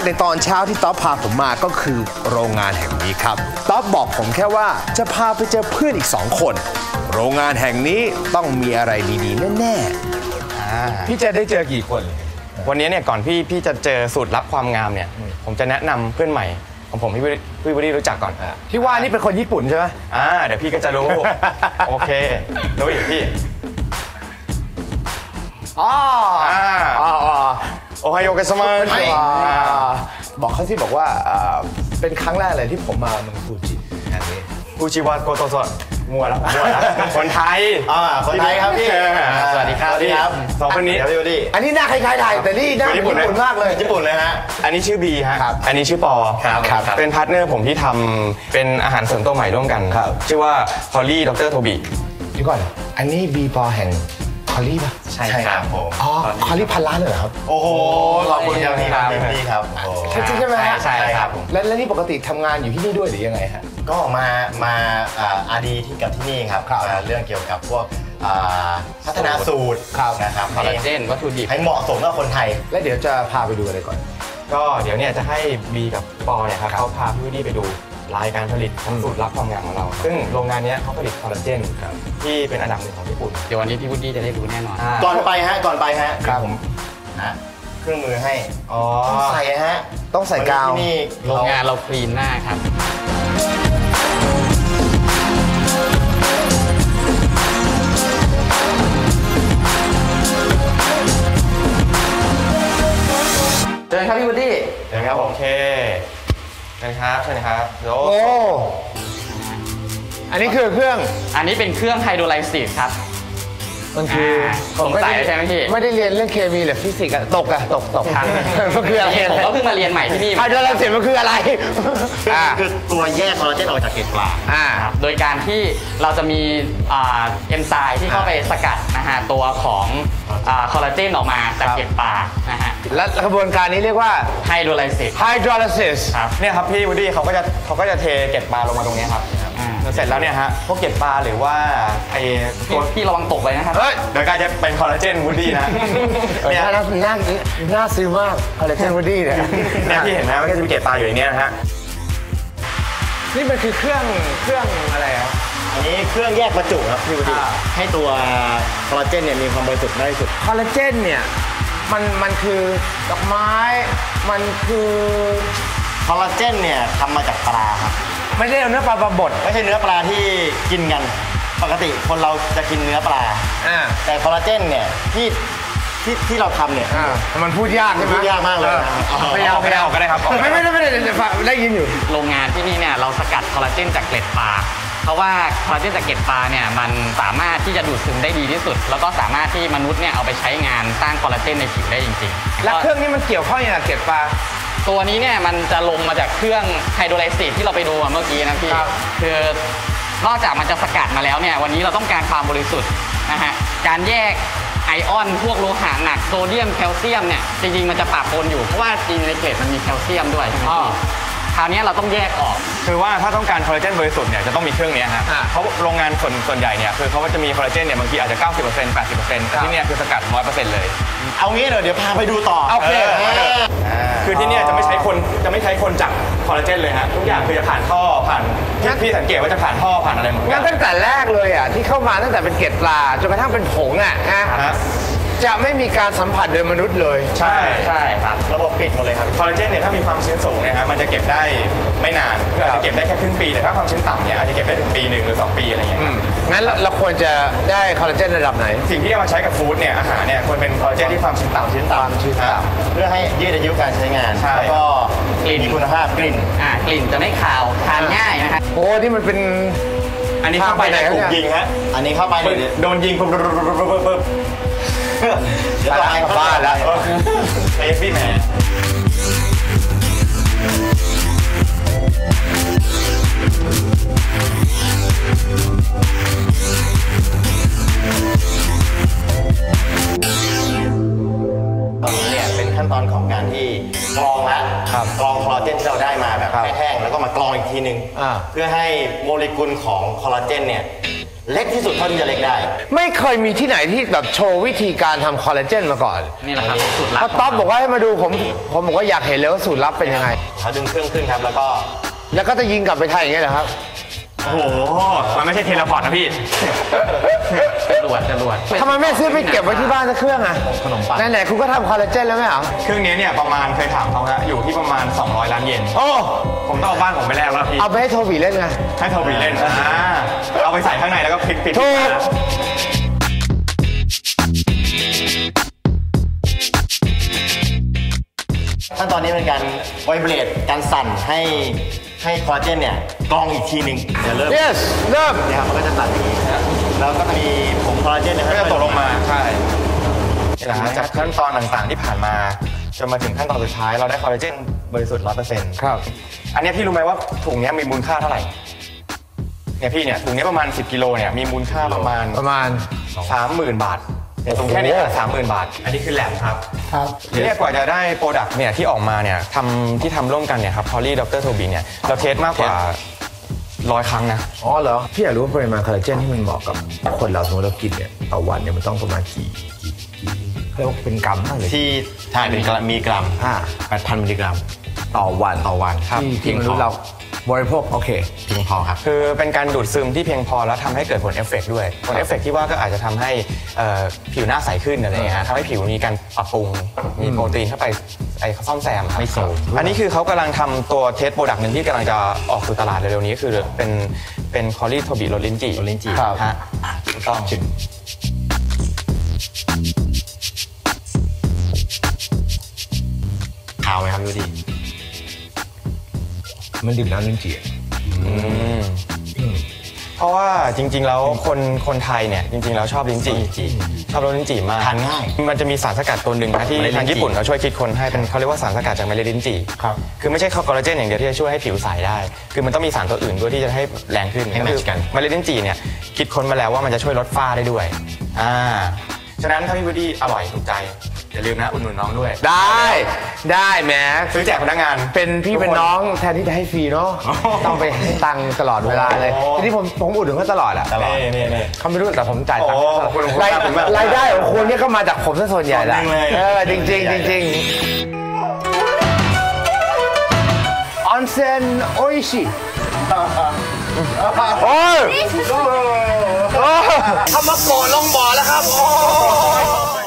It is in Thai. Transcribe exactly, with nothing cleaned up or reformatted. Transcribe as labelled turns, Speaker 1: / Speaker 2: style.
Speaker 1: ในตอนเช้าที่ต๊อบพาผมมาก็คือโรงงานแห่งนี้ครับต๊อบบอกผมแค่ว่าจะพาไปเจอเพื่อนอีกสองคนโรงงานแห่งนี้ต้องมีอะไรดีๆแน่ๆพี่จะได้เจอกี่คน
Speaker 2: วันนี้เนี่ยก่อนพี่พี่จะเจอสูตรลับความงามเนี่ยผมจะแนะนำเพื่อนใหม่ของผมพี่พี่วูดดี้รู้จักก่อน
Speaker 1: ที่ว่านี่เป็นคนญี่ปุ่นใช่ไหม
Speaker 2: อ่าเดี๋ยวพี่ก็จะรู้ โอเครู้อีกพี่
Speaker 1: อ๋ออ๋อ
Speaker 2: โอไฮโอเกสมา
Speaker 1: บอกเขาที่บอกว่าเป็นครั้งแรกเลยที่ผมมาเมืองฟูจิแห่งนี้
Speaker 2: ฟูจิวาโกโตโซะมัวแล้วมัวแล้วคนไทย
Speaker 1: อ่าคนไทยครับพี่
Speaker 2: สวัสดีครับสวัสดีครับสองคนนี้พี่วูดดี้
Speaker 1: อันนี้หน้าคล้ายๆไทยแต่นี่หน้าญี่ปุ่นมากเลย
Speaker 2: ญี่ปุ่นเลยฮะอันนี้ชื่อบีฮะอันนี้ชื่อปอครับเป็นพาร์ทเนอร์ผมที่ทำเป็นอาหารเสริมตัวใหม่ร่วมกันชื่อว่าพอลลี่ดรโทบี
Speaker 1: เดี๋ยวก่อนอันนี้บีปอแห่งคอลลี่ป่ะ
Speaker 2: ใช่ครับผม
Speaker 1: อ๋อคอลลี่พันล้านเลยเหรอครับ
Speaker 2: โอ้โหขอบคุณครับพี่ครับพี่ครับ
Speaker 1: ใช่ใช่ไหมฮะ
Speaker 2: ใช่ครับ
Speaker 1: แล้วแล้วนี่ปกติทำงานอยู่ที่นี่ด้วยหรือยังไงฮะ
Speaker 3: ก็มามาอาร์ดีที่กับที่นี่ครับเรื่องเกี่ยวกับพวกพัฒนาสูตรนะครับ
Speaker 2: คอลลาเจนวัตถุดิบ
Speaker 3: ให้เหมาะสมกับคนไทย
Speaker 1: และเดี๋ยวจะพาไปดูอะไรก่อน
Speaker 2: ก็เดี๋ยวเนี่ยจะให้บีกับปอเนี่ยครับเขาพาพี่วูดดี้ไปดูรายการผลิตของสูตรลับความงามของเราซึ่งโรงงานนี้เขาผลิตคอลลาเจนที่เป็นอันดับหนึ่งของญี่ปุ่น
Speaker 4: เดี๋ยววันนี้พี่วูดดี้จะได้รู้แน่นอน
Speaker 3: ก่อนไปฮะก่อนไปฮะครับผมนะเครื่องมือให้
Speaker 1: อ๋อ
Speaker 3: ต้องใส่ฮะ
Speaker 1: ต้องใส่กาว
Speaker 3: ที่นี่
Speaker 4: โรงงานเราคลีนหน้าครับเชิญครับพี่วูดดี้
Speaker 2: เชิญครับโอเคเชิญครับเชิญครับโอ้
Speaker 1: อันนี้คือเครื่อง
Speaker 4: อันนี้เป็นเครื่องไฮโดรไลซิสครับ
Speaker 1: มันคือ
Speaker 4: สงสัยใช่ไหมพี่
Speaker 1: ไม่ได้เรียนเรื่องเคมีหรือฟิสิกส์อะตกอะตกตกครับมันคืออะไร
Speaker 4: ผมก็เพิ่งมาเรียนใหม่ที่นี่
Speaker 1: ไฮโดรไลซิสมันคืออะไร
Speaker 3: คือตัวแยกคอลลาเจนออกจากเกล็ดปลา
Speaker 4: โดยการที่เราจะมีเอนไซม์ที่เข้าไปสกัดนะฮะตัวของคอลลาเจนออกมาจากเกล็ดปลานะฮะ
Speaker 1: และกระบวนการนี้เรียกว่า
Speaker 4: ไฮโดรไลซิส
Speaker 1: ไฮโดรไลซิส
Speaker 2: ครับเนี่ยครับพี่วูดดี้เขาก็จะเขาก็จะเทเกล็ดปลาลงมาตรงนี้ครับเสร็จแล้วเนี่ยฮะพวกเกล็ดปลาหรือว่าไอ้
Speaker 4: ตัวที่ระวังตกไปนะครับ
Speaker 2: เดี๋ยวกลายจะเป็นคอลลาเจนวูดดี้นะ
Speaker 1: เนี่ยน่าน่าน่าซื้อมากคอลลาเจนวูดดี้เนี่ย
Speaker 2: เนี่ยที่เห็นนะมันก็จะมีเกล็ดปลาอยู่ในนี้นะฮะ
Speaker 1: นี่มันคือเครื่องเครื่องอะไรครับ
Speaker 3: อันนี้เครื่องแยกบรรจุครับพี่วูดดี้ให้ตัวคอลลาเจนเนี่ยมีความบริสุทธิ์มากที่สุด
Speaker 1: คอลลาเจนเนี่ยมันมันคือดอกไม้มันคือ
Speaker 3: คอลลาเจนเนี่ยทำมาจากปลาครับ
Speaker 1: ไม่ใช่เนื้อปลาปลาบด
Speaker 3: ไม่ใช่เนื้อปลาที่กินกันปกติคนเราจะกินเนื้อปลาแต่คอลลาเจนเนี่ยที่ที่ที่เราทำเนี่ย
Speaker 1: มันพูดยากใช่ไหม
Speaker 3: พูดยากมากเลย
Speaker 2: ไม่เอาไม่เอาก็ได้ครับ
Speaker 1: ไม่ไม่ไม่ได้ได้ยินอยู่
Speaker 4: โรงงานที่นี่เนี่ยเราสกัดคอลลาเจนจากเกล็ดปลาเพราะว่าคอลลาเจนจากเกล็ดปลาเนี่ยมันสามารถที่จะดูดซึมได้ดีที่สุดแล้วก็สามารถที่มนุษย์เนี่ยเอาไปใช้งานสร้างคอลลาเจนในผิวได้จริง
Speaker 1: ๆแล้วเครื่องนี้มันเกี่ยวข้องอย่างเกล็ดปลา
Speaker 4: ตัวนี้เนี่ยมันจะลงมาจากเครื่องไฮโดรไลซิสที่เราไปดูเมื่อกี้นะพี่คือนอกจากมันจะสกัดมาแล้วเนี่ยวันนี้เราต้องการความบริสุทธิ์นะฮะการแยกไอออนพวกโลหะหนักโซเดียมแคลเซียมเนี่ยจริงๆมันจะปะปนอยู่เพราะว่าจริงในเกล็ดมันมีแคลเซียมด้วยใช่ไหมพี่คราวนี้เราต้องแยกออก
Speaker 2: คือว่าถ้าต้องการคอลลาเจนบริสุทธิ์เนี่ยจะต้องมีเครื่องนี้ฮะเพราะโรงงานส่วนส่วนใหญ่เนี่ยคือเขาจะมีคอลลาเจนเนี่ยบางทีอาจจะ เก้าสิบเปอร์เซ็นต์ แปดสิบเปอร์เซ็นต์ แต่ที่นี่คือสกัด ร้อยเปอร์เซ็นต์ เลย
Speaker 3: เอางี้เลยเดี๋ยวพาไปดูต่อ
Speaker 1: โอเค
Speaker 2: คือที่นี่จะไม่ใช้คนจะไม่ใช้คนจับคอลลาเจนเลยฮะทุกอย่างคือจะผ่านท่อผ่านพี่สังเกตว่าจะผ่านท่อผ่านอะไรหมด
Speaker 1: งั้นตั้งแต่แรกเลยอ่ะที่เข้ามาตั้งแต่เป็นเกล็ดปลาจนกระทั่งเป็นผงอ่ะนะจะไม่มีการสัมผัสโดยมนุษย์เลย
Speaker 2: ใช่
Speaker 4: ใช่ครับ
Speaker 3: ระบบปิดหมดเลยครับ
Speaker 2: คอลลาเจนเนี่ยถ้ามีความชื้นสูงเนี่ยฮะมันจะเก็บได้ไม่นานคืออาจจะเก็บได้แค่ครึ่งปีแต่ถ้าความชื้นต่ำเนี่ยอาจจะเก็บได้ถึงปีหนึ่งหรือสองปีอะไรอย่างเงี้ย
Speaker 1: งั้นเราควรจะได้คอลลาเจนระดับไหน
Speaker 2: สิ่งที่เอามาใช้กับฟู้ดเนี่ยอาหารเนี่ยควรเป็นคอลลาเจนที่ความชื้นต่ำ
Speaker 3: ชื้นต่ำชื้นต่ำเพื่อให้ยืดอายุการใช้งานแล้วก็
Speaker 4: กลิ่น
Speaker 3: คุณภาพกลิ่น
Speaker 4: อ่ากลิ่นจะไม่คาวทานง่ายนะครับ
Speaker 1: โอ้ที่มันเป็น
Speaker 2: อันนี้เข้าไปในถูกยิงฮะ
Speaker 3: อันนี้เข้าไป
Speaker 2: โดนยิงปุ๊บปุ๊บปุ๊บปุ๊บปุ๊บ
Speaker 3: เดี๋ยวไป
Speaker 1: บ้านแล้ว
Speaker 2: เอฟบี้แมน
Speaker 3: ตอนนี้เนี่ยเป็นขั้นตอนของการที่กรองแล้วกรองคอลลาเจนที่เราได้มาแบบแห้งๆแล้วก็มากรองอีกทีนึงเพื่อให้โมเลกุลของคอลลาเจนเนี่ยเล็กที่สุดเท่าที่จะเล็กได้
Speaker 1: ไม่เคยมีที่ไหนที่แบบโชว์วิธีการทำคอลลาเจนมาก่อน
Speaker 4: นี่แหละครับสูตรลับ
Speaker 1: พอต๊อบบอกว่าให้มาดูผมผมบอกว่าอยากเห็นเลยว่าสูตรลับเป็นยังไง
Speaker 3: เขาดึงเครื่องขึ้นครับแล้วก็
Speaker 1: แล้วก็จะยิงกลับไปไทยอย่างเงี้ยเหรอครับ
Speaker 2: โอ้โห มันไม่ใช่เทเลพอร์ตนะพี่
Speaker 4: จรวดจรวด
Speaker 1: ทำไมไม่ซื้อไปเก็บไว้ที่บ้านสักเครื่องอะ
Speaker 3: ขนมปัง
Speaker 1: ไหนๆคุณก็ทำคอลลาเจนแล้วไหมเหรอ
Speaker 2: เครื่องนี้เนี่ยประมาณเคยถามเขาฮะอยู่ที่ประมาณสองร้อยล้านเยน
Speaker 1: โอ้
Speaker 2: ผมต้องเอาบ้านผมไปแลกแล้วพี่
Speaker 1: เอาไปให้โทบีเล่นไง
Speaker 2: ให้โทบีเล่นอ่าเอาไปใส่ข้างในแล้วก็พลิกปิด
Speaker 1: ถูก
Speaker 3: ขั้นตอนนี้เป็นการไวเบรดการสั่นให้ให้คอลลาเจนเนี่ยกรองอีกทีหนึ่งเดี๋ยวเริ่ม
Speaker 1: yes เริ่ม
Speaker 3: นะครับมันก็จะสั่นอย่างนี้แล้วก็มีผงคอลลาเจนเนี่ย
Speaker 2: ก็จะตกลงมาใช่นี่แหละฮะจากขั้นตอนต่างๆที่ผ่านมาจนมาถึงขั้นตอนสุดท้ายเราได้คอลลาเจนบริสุทธิ์ร้อยเปอร์เซ็นต์
Speaker 1: ครับ
Speaker 2: อันเนี้ยพี่รู้ไหมว่าถุงเนี้ยมีมูลค่าเท่าไหร่เนี่ยพี่เนี่ยถุงเนี้ยประมาณสิบกิโลเนี่ยมีมูลค่าประมาณ
Speaker 1: ประมาณ
Speaker 2: สามหมื่นบาทเนี่ยถุงแค่นี้สามหมื่นบาท อันนี้คือแลบครับ
Speaker 1: ครับ
Speaker 2: เรียกกว่าจะได้โปรดักต์เนี่ยที่ออกมาเนี่ยทำที่ทำร่วมกันเนี่ยครับพอลลี่ดรโทบีเนี่ยเราเทสมากกว่าร้อยครั้งนะ
Speaker 1: อ๋อเหรอ พี่อยากรู้ว่าปริมาณคอลลาเจนที่มันเหมาะกับคนเราสมมติเรากินเนี่ยต่อวันเนี่ยมันต้องประมาณกี่กี่กี่เขาเรียกว่าเป็นกรัมบ้างเลย
Speaker 3: ที่ทานเป็นกรัมมีกรัม
Speaker 1: อ่า
Speaker 3: แปดพันมิลลิกรัม
Speaker 1: ต่อวัน
Speaker 3: ต่อวันครับ
Speaker 1: ที่
Speaker 3: เพี
Speaker 1: ที่
Speaker 3: ยง
Speaker 1: ม
Speaker 3: พ
Speaker 1: นุ
Speaker 3: อ
Speaker 1: ษย์เราบริโภคโอเค
Speaker 3: เพียงพอครับ
Speaker 2: คือเป็นการดูดซึมที่เพียงพอแล้วทำให้เกิดผลเอฟเฟกต์ด้วยผลเอฟเฟกต์ที่ว่าก็อาจจะทำให้เอ่อผิวหน้าใสขึ้นอะไรอย่างเงี้ยฮะทำให้ผิวมีการปรับปรุงมีโปรตีนเข้าไปไอ้ซ่อมแซมครับ
Speaker 3: ไม่โทรม
Speaker 2: อันนี้คือเขากำลังทำตัวเทสโปรดักต์หนึ่งที่กำลังจะออกสู่ตลาดเร็วๆนี้คือเป็นเป็นคอลลี่โทบีโรลินจิ
Speaker 3: โรลินจิ
Speaker 2: ครับฮะถูกต้อง
Speaker 3: ขาวไหมครับดูดี
Speaker 1: มันดื่มน้ำลิ้นจี่
Speaker 2: เพราะว่าจริงๆแล้วคนคนไทยเนี่ยจริงๆแล้วชอบลิ้นจี่ชอบรสลิ้นจี่มาก
Speaker 3: ทานง่าย
Speaker 2: มันจะมีสารสกัดตัวหนึ่งนะที่
Speaker 3: เมล็ดลิ้นจี่
Speaker 2: ทางญี่ปุ่นเขาช่วยคิดค้นให้เป็นเขาเรียกว่าสารสกัดจากเมล็ดลิ้นจี่
Speaker 1: ครับ
Speaker 2: คือไม่ใช่คอลลาเจนอย่างเดียวที่จะช่วยให้ผิวใสได้ คือมันต้องมีสารตัวอื่นด้วยที่จะให้แรงขึ้น
Speaker 3: ให้แมทช์กัน
Speaker 2: เมล็ดลิ้นจี่เนี่ยคิดค้นมาแล้วว่ามันจะช่วยลดฝ้าได้ด้วยอ่าฉะนั้นถ้าพี่วูดดี้อร่อยถูกใจอย่าลืมนะอุดหนุนน้องด้วย
Speaker 1: ได้ได้แหม
Speaker 2: ซื้อแจกพนักงาน
Speaker 1: เป็นพี่เป็นน้องแทนที่จะให้ฟรีเนาะต้องไปให้ตังค์ตลอดเวลาเลย
Speaker 2: โอ้
Speaker 1: ทีนี้ผมผมอุดหนุนเขาตลอดอะ
Speaker 2: ตลอดนี่นี่
Speaker 1: เขาไม่รู้แต่ผมจ่ายตังค์
Speaker 2: โอ้ขอบคุณ
Speaker 1: ราย
Speaker 2: ขอบคุณมาก
Speaker 1: รายได้ของคุณเนี่ยก็มาจากผมซะส่วนใหญ่ละ
Speaker 3: ส่วนหนึ่งเลย
Speaker 1: เออจริงจริงๆจริงๆออนเซ็นโออิชิโอ้ยโอ้ยทำมาโกรธลงบ่อแล้วครับโอ้ย